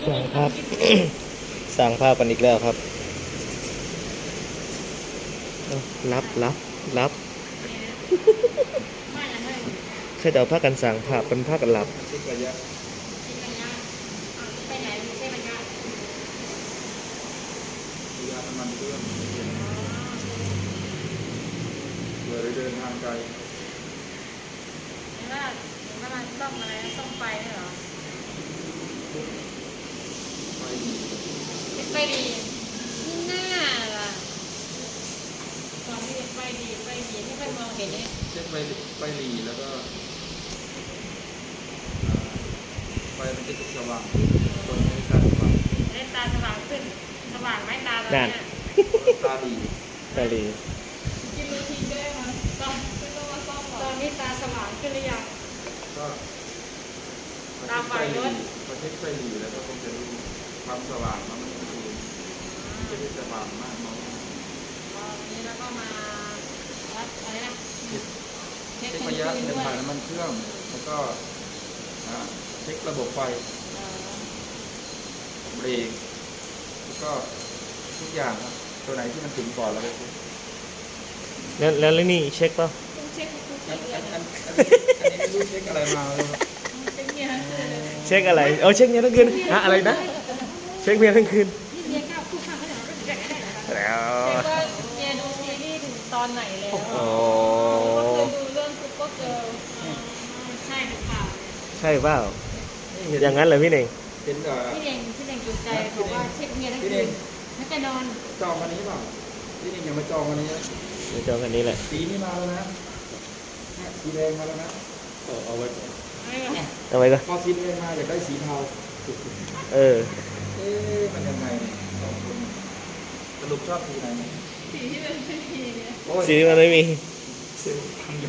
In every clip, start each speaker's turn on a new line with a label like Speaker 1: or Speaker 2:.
Speaker 1: สั่งภาพ สั่งภาพกันอีกแล้วครับรับแค่จะเอาผ้ากันสั่งภาพเป็นผ้ากันหลับ
Speaker 2: ไปไหนไม่ใช่ระยะ
Speaker 3: น้ำมันเครื่องเลยเดินทางไกล
Speaker 2: เห็นว่ามันซ่อมอะไรซ่อมไฟด้วยเหรอไฟดีนี่หน้าล่ะตอนที่ไฟดีที่เพื่อนมองเห็นเนี่ย
Speaker 3: เช็คไฟหลีแล้วก็ไฟมันจะสว่างตรงนี้การสว่าง
Speaker 2: ได้ตาสว่างขึ้นสว่างไหมตาตอนนี้
Speaker 3: ตาดี
Speaker 2: กินรูทีนด้วยมั้ยตอนนี้ตาสว่างขึ้นหรือยัง
Speaker 3: ก็ตาไฟรถพอเช็คไฟหลีแล้วก็คงจะรู้ความสว่างว่ามันคือจะได้สว่างมากน้อย
Speaker 2: วันนี้แล้วก็มาวัดอะไรนะ
Speaker 3: เช็คระยะเดินผ่านน้ำมันเครื่องแล้วก็เช็คระบบไฟเบรกแล้วก็ทุกอย่างครับตัวไหนที่มันถึงก่อนเราไปเช็ค
Speaker 1: แล้วนี่เช็คป่ะ
Speaker 2: เช็คทุกเดือน
Speaker 3: อันนี้ไม่รู้เช็คอะไรมาเลย
Speaker 1: เช็คอะไรเช็คเมียทั้งคืนอะไรนะเช็คเมียทั้งคืน
Speaker 2: เมียก้าวคู่ข้างเขาจะรู้จักได้
Speaker 1: แล้ว
Speaker 2: เช็คว่าเมียดูซีรีส์ถึงตอนไหนแล้วเคยดูเรื่องซุปเปอร์เกิร์ลใช่หรือเปล่า
Speaker 1: ใช่เปล่าอย่างนั้นเหรอพี่เน่ง
Speaker 3: พี่เ
Speaker 2: น่งจุดใจบอกว่าเช็คเมียทั้งคืนไม่ไปนอน
Speaker 3: จองวันนี้เปล่าพี่เน่งยังมาจองวันนี้
Speaker 1: มาจองกันนี้แหละ
Speaker 3: สีนี้มาแล้วนะสีแดงมาแล้วนะเอาไว้ก่อน
Speaker 1: เอาไว้ก่อน
Speaker 3: พอสีแดงมาอยากได้สีเทามันยังไงสรุปชอบสีไหน
Speaker 2: สีที่มันไม่มีเนี่ย
Speaker 1: สีที่มันไม่มี
Speaker 3: ทำอยู่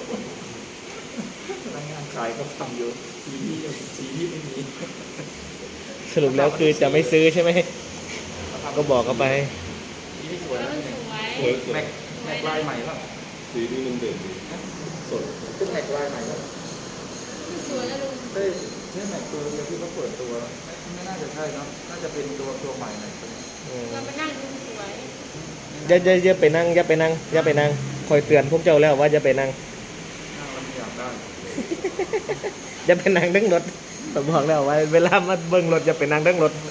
Speaker 3: พนักงานขายก็ทำอยู่สีที่ไม่มี
Speaker 1: สรุปแล้วคือจะไม่ซื้อใช่ไหมก็บอกเขาไป
Speaker 3: สีที่สวยแม็กลายใหม่ป่ะ
Speaker 4: สีนี้มันเด่นดีสด
Speaker 3: เป็นแม็กลายใหม่ป่ะ
Speaker 2: สวยแล้วลุง
Speaker 3: ใช่แม็กตัวเดียวที่เขาเปิดตัวไม่น่าจะใช่เนาะน่าจะเป็นตัวใหม่ไหน
Speaker 2: เราไปนั่งดูสวย
Speaker 1: อย่าไปนั่งคอยเตือนพวกเจ้าแล้วว่าอย่าไปนั่ง
Speaker 3: เราไม่อยากได้
Speaker 1: อย่าไปนั่งดั้งรถผมบอกแล้วว่าเวลามาเบิ้งรถอย่าไปนั่งดั้งรถ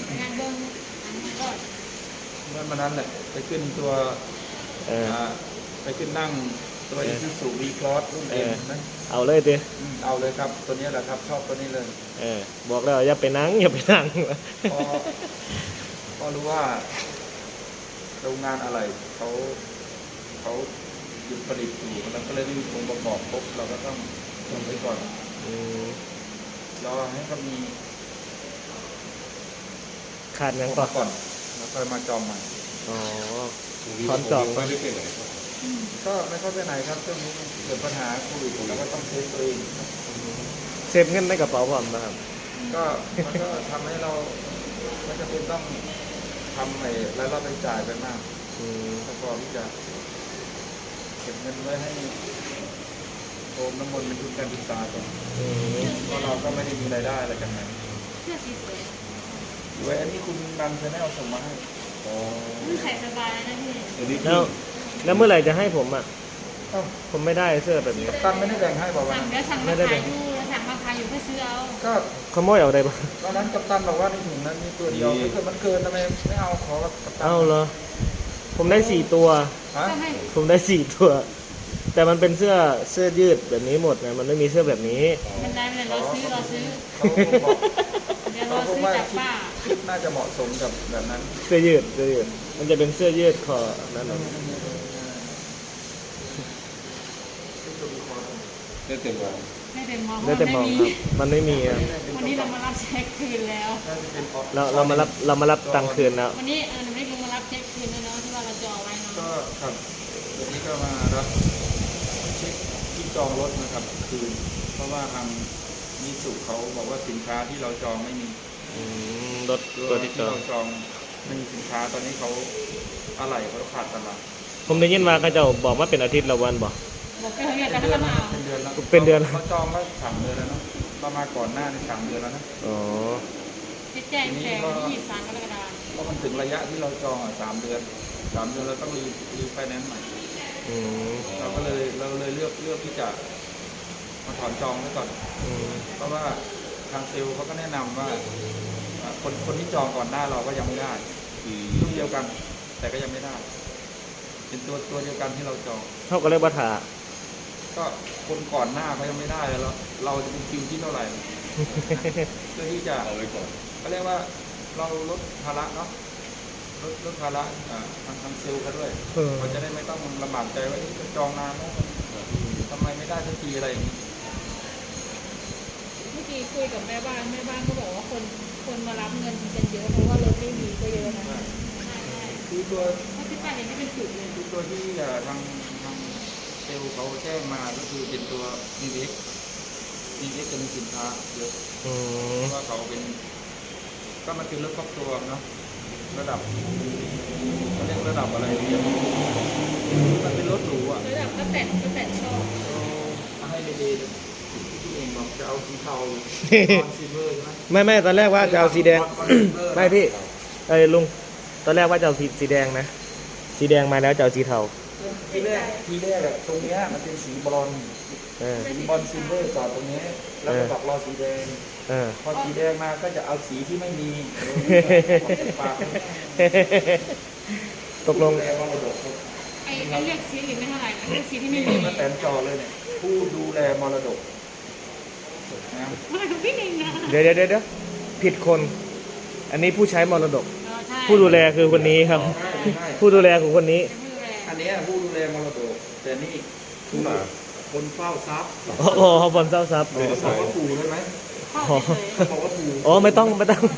Speaker 3: เมื่อนั้นแหละไปขึ้นตัวไปขึ้นนั่งตัวIsuzu V-Cross รุ่นเอ็มนะ
Speaker 1: เอาเลยดิ
Speaker 3: เอาเลยครับตัวนี้แหละครับชอบตัวนี้เลย
Speaker 1: บอกแล้วอย่าไปนั่ง
Speaker 3: พอรู้ว่าโรงงานอะไรเขาหยุดผลิตอยู่แล้วก็เลยไม่มีองค์ประกอบครบเราก็ต้องทำไว้ก่อนรอให้เขามี
Speaker 1: ขาดเงิน
Speaker 3: ก่อนแล้วค่อยมาจองใหม่
Speaker 1: พร้อมจอง
Speaker 4: ไม่ได้ไปไหน
Speaker 3: ก็ไม่เข้าไปไหนครับช่วงนี้เกิดปัญหาโควิดแล้วก็ต้องเซฟตัวเอง
Speaker 1: เซฟเงินในกระเป๋าผมนะครับ
Speaker 3: ก็มันก็ทำให้เราไม่จำเป็นต้องทำรายรับรายจ่ายไปมากแล้วก็ที่จะเก็บเงินไว้ให้โอมน้ำมนต์เป็นทุนการศึกษาก่อนเพราะเราก็ไม่ได้มีรายได้อะไรกันนะ
Speaker 2: เสื้อสีสวย
Speaker 3: สวยอันนี้คุณนันจะได้เอาส่งมาให้
Speaker 2: ใส่สบายนะพี่
Speaker 1: แล้วเมื่อไหร่จะให้ผมผมไม่ได้เสื้อแบบนี้
Speaker 3: ตั้งไม่ได้แบ่งให้บอกว่า
Speaker 2: ไม่ได้แบ่งสั่งมาขายอยู่เพื่อซื้อเอา
Speaker 3: ก็
Speaker 1: ขโมยเอาได้ปะ
Speaker 3: ตอนนั้นกัปตันบอกว่าในถุงนั้นมีตัวเดียวถ้าเกิดมันเกินทำไมไม่เอาขอกัปตัน
Speaker 1: เอาเหรอผมได้4 ตัวผมได้4 ตัวแต่มันเป็นเสื้อยืดแบบนี้หมดนะมันไม่มีเสื้อแบบนี้
Speaker 2: มันได้เราซื้อเดี๋ยวเราซื้อจากป้า
Speaker 3: คิดน่าจะเหมาะสมกับแบบนั้น
Speaker 1: เสื้อยืดมันจะเป็นเสื้อยืดคอนั่นเอง
Speaker 4: ได้เต็มวัน
Speaker 1: ได้เต็มมองครับมันไม่มี
Speaker 2: วันนี้เรามารับเช็คคืนแล้ว
Speaker 1: เรามารับตังค์คืนแล้ว
Speaker 2: วันนี้หนูไม่ลงมารับเช็คคืนแล้วเนาะที่ว่าเราจองไว้เนาะ
Speaker 3: ก็ครับวันนี้ก็มารับเช็คที่จองรถนะครับคืนเพราะว่าทางมิสุเขาบอกว่าสินค้าที่เราจองไม่มี
Speaker 1: รถตัวที่
Speaker 3: เราจองไม่มีสินค้าตอนนี้เขาอะไรเขาขาดตลาด
Speaker 1: ผมได้ยินว่าเขาจะบอกว่าเป็นอาทิตย์ละวันบอก
Speaker 3: เป็นเดือนแล้ว
Speaker 1: เป็นเดือน
Speaker 3: เขาจองแล้ว3 เดือนแล้วเนาะประมาณก่อนหน้าใน3 เดือนแล้วนะ
Speaker 1: อ๋อ
Speaker 2: แจ้งแต่วันที่23กรกฎาคม
Speaker 3: เพราะมันถึงระยะที่เราจองอ่ะ3 เดือนเราต้องรีไฟแนนซ์ใหม่
Speaker 1: อืม
Speaker 3: เราเลยเลือกที่จะมาถอนจองไว้ก่อน
Speaker 1: อืม
Speaker 3: เพราะว่าทางเซลล์เขาก็แนะนำว่าคนที่จองก่อนหน้าเราก็ยังไม่ได้รุ่นเดียวกัน แต่ก็ยังไม่ได้ เป็นตัวเดียวกันที่เราจอง
Speaker 1: เท่ากับเรียกว่าถา
Speaker 3: ก็คนก่อนหน้าเขายังไม่ได้แล้วเราจะเป็นคิวที่เท่าไหร่ เพื่อที่จะ
Speaker 4: เอาไว้ก่อน
Speaker 3: เขาเรียกว่าเราลดภาระเนาะลดภาระทางเซลล์เขาด้วยเขาจะได้ไม่ต้องลำบากใจว่าจองนานแล้วทำไมไม่ได้สักทีอะไรอย่างนี้
Speaker 2: เมื่อกี้คุยกับแม่บ้านก็บอกว่าคนมารับเงินกันเยอะเพราะว่ารถไม่มีก็เยอะนะใช่
Speaker 3: คือตัว
Speaker 2: เพราะที่ป้าเห็นไม่เป็นจุดเลย
Speaker 3: คือตัวที่ทางเซลล์เขาแจ้งมาก็คือเป็นตัวนีเว็กจะมีสินค้าเยอะ
Speaker 1: อืม
Speaker 3: เพราะว่าเขาเป็นก็มันเป็นรถครอบครัวเนาะระดับเขาเรียกระดับอะไรเนี่ยมันเป็นรถหรูอ่ะ
Speaker 2: ระดับก็แต่ชอบ
Speaker 3: เอาให้ดีๆเลยที่เองบอกจะเอาสีเทาตอนซิลเวอร์ใช่ไหม
Speaker 1: ไม่ตอนแรกว่าจะเอาสีแดง
Speaker 3: บอลซิลเวอร์
Speaker 1: ไม่พี่ลุงตอนแรกว่าจะเอาสีแดงนะสีแดงมาแล้วจะเอาสีเทา
Speaker 3: ทีแรกอะตรงเนี้ยมันเป็นสีบอล
Speaker 1: เออ
Speaker 3: สีบอลซิลเวอร์จอดตรงนี้แล้วก็บอกรอสีแดง
Speaker 1: เออ
Speaker 3: พอสีแดงมาก็จะเอาสีที่ไม่มีปาก
Speaker 1: ตกลง
Speaker 3: แรงมรดก
Speaker 2: ไอ้เลือกสีอื่นไม่เท่าไหร่นะเลือกสีที่ไม่
Speaker 3: นี่
Speaker 2: มี
Speaker 3: มาแตนจอเลยเนี่ยผู้ดูแลมรดกนะ
Speaker 2: ไม่ของพี่เองนะ
Speaker 1: เดี๋ยวผิดคน อันนี้ผู้ใช้มรดก
Speaker 2: ใช่
Speaker 1: ผู้ดูแลคือคนนี้ครับ
Speaker 3: ใช่
Speaker 1: ผู้ดูแลของคนนี้
Speaker 2: ผู้ดูแล
Speaker 3: อันเนี้ยผู้ดูแลมรดกแต่นี่คือคนเฝ้าทรัพย์
Speaker 1: โอ้โหฝนเศร้าซับ
Speaker 3: บอกว่าปู่ได้ไหม
Speaker 2: เข้าเฉย
Speaker 3: บอกว่าปู่
Speaker 1: อ๋อไม่ต้อง
Speaker 2: ๆแล้ว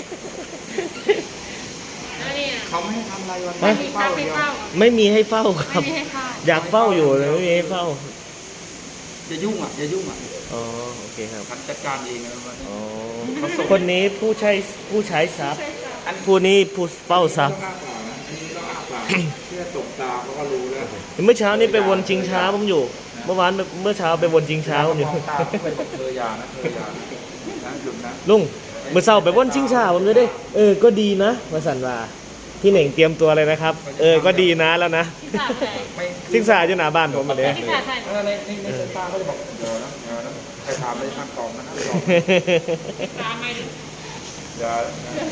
Speaker 2: เนี่ย
Speaker 3: เขาไม่ให้ทำอะไรวัน
Speaker 2: ไม่มี
Speaker 3: เฝ้า
Speaker 2: ข้าวให้
Speaker 3: เดียว
Speaker 2: เฝ้า
Speaker 1: ไม่มีให้เฝ้าค
Speaker 2: ไม่
Speaker 1: รับ
Speaker 2: มีให้เข้า
Speaker 1: อยากเฝ้าอยู่แต่ไม่มีให้เฝ้า
Speaker 3: อย่ายุ่งอ่ะอย่ายุ่งอ่ะ
Speaker 1: อ๋อโอเคครับ
Speaker 3: ฉันจัดการเองนะวันนี้
Speaker 1: อ๋อคนนี้ผู้ใช้ทรัพย์
Speaker 3: อัน
Speaker 1: ผู้นี้ผู้เฝ้าทรัพย์
Speaker 3: ต้องอ้าปากนะอันนี้ต้องอ้าปากเพื่อตกตาเขาก็รู้แล้ว
Speaker 1: เมื่อเช้านี้ไปวนชิงช้าผมอยู่ เมื่อเช้าไปวนชิงช้าผมอยู่
Speaker 3: มองตาเขาเป็นเธอยานะหยุดนะ
Speaker 1: ลุงเมื่อเช้าไปวนชิงช้าผมจะได้ก็ดีนะมาสันว่าพี่เหน่งเตรียมตัวเลยนะครับ ก็ดีนะแล้วนะ
Speaker 2: ที่สามไหน
Speaker 3: ไม่
Speaker 1: ชิงช้าอยู่หน้าบ้านผมมาเลย
Speaker 2: ที่สามใส่
Speaker 3: ในสายตาเขาจะบอกเดี๋ยวนะใครถามเลยทางตอบนะตอบ
Speaker 2: ตามมาดิ
Speaker 3: เดี๋ยว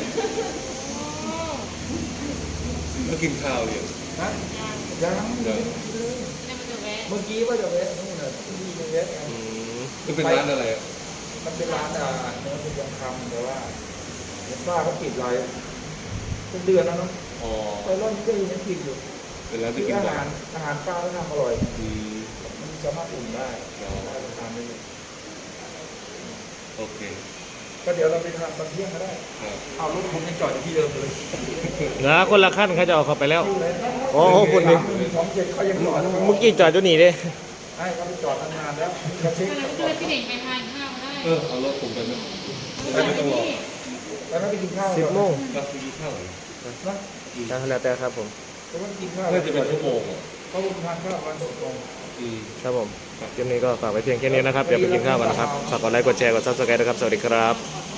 Speaker 4: แล้วกินข้าวเนี่ย
Speaker 3: นะยัง
Speaker 4: เดี๋ยว
Speaker 2: เนี่ยมันจะแวะ
Speaker 3: เมื่อกี้ว่าจะเวสนู่นน่ะที่มีเวสไง
Speaker 4: มันเป็นร้านอะไรอ่ะ
Speaker 3: มันเป็นร้านเนื้อเป็นยังคำแต่ว่าเห็นป้าเขาปิดไว้เป็นเดือนแล้วเนาะ
Speaker 4: อ๋อ
Speaker 3: ไปร่อนก็ยังปิดอยู่
Speaker 4: เป็นร้าน
Speaker 3: คื
Speaker 4: ที่
Speaker 3: อ
Speaker 4: กิน
Speaker 3: อา
Speaker 4: บ่อ
Speaker 3: หาย รป้าเขาทำอร่อย
Speaker 4: อืม
Speaker 3: มันสามารถอุ่นได้ได้ทานได้เลย
Speaker 4: โอเค
Speaker 3: ก็เดี๋ยวเราไปทานตอนเที่ยงก็ได้
Speaker 4: ครับ
Speaker 3: เอารถผมยังจอดอยู่ที่เดิมเลย
Speaker 1: นะคนละขั้นเขาจะเอาเข้าไปแล้ว
Speaker 3: อยู่เลย
Speaker 1: โอ้โหคุณนี่
Speaker 3: 27เขายังจอด
Speaker 1: เมื่อกี้จอดอยู่นี่เด้
Speaker 3: ให้เขาไปจอดนานแล้วเขาเช็ค
Speaker 2: ก็เลยพี่เด่งไปทานข้าวได้
Speaker 4: เอารถผมไปไหมไม่ต้องรอ
Speaker 3: แล้วไปกินข้าว
Speaker 1: 10 โมง
Speaker 4: รับไปกินข้าวเหรอ
Speaker 3: นะ
Speaker 1: แล้วแต่ครับผม
Speaker 3: แล้วก็กินข้าว
Speaker 4: น่าจะเป็นชั่วโมงอ่ะ
Speaker 3: เขาทานข้าววัน6 โมง
Speaker 4: อืม
Speaker 1: ครับผมคลิปนี้ก็ฝากไว้เพียงแค่นี้นะครับ เดี๋ยวไปกินข้าวกันนะครับ ฝากกดไลค์ กดแชร์ กด subscribe นะครับ สวัสดีครับ
Speaker 2: ขอ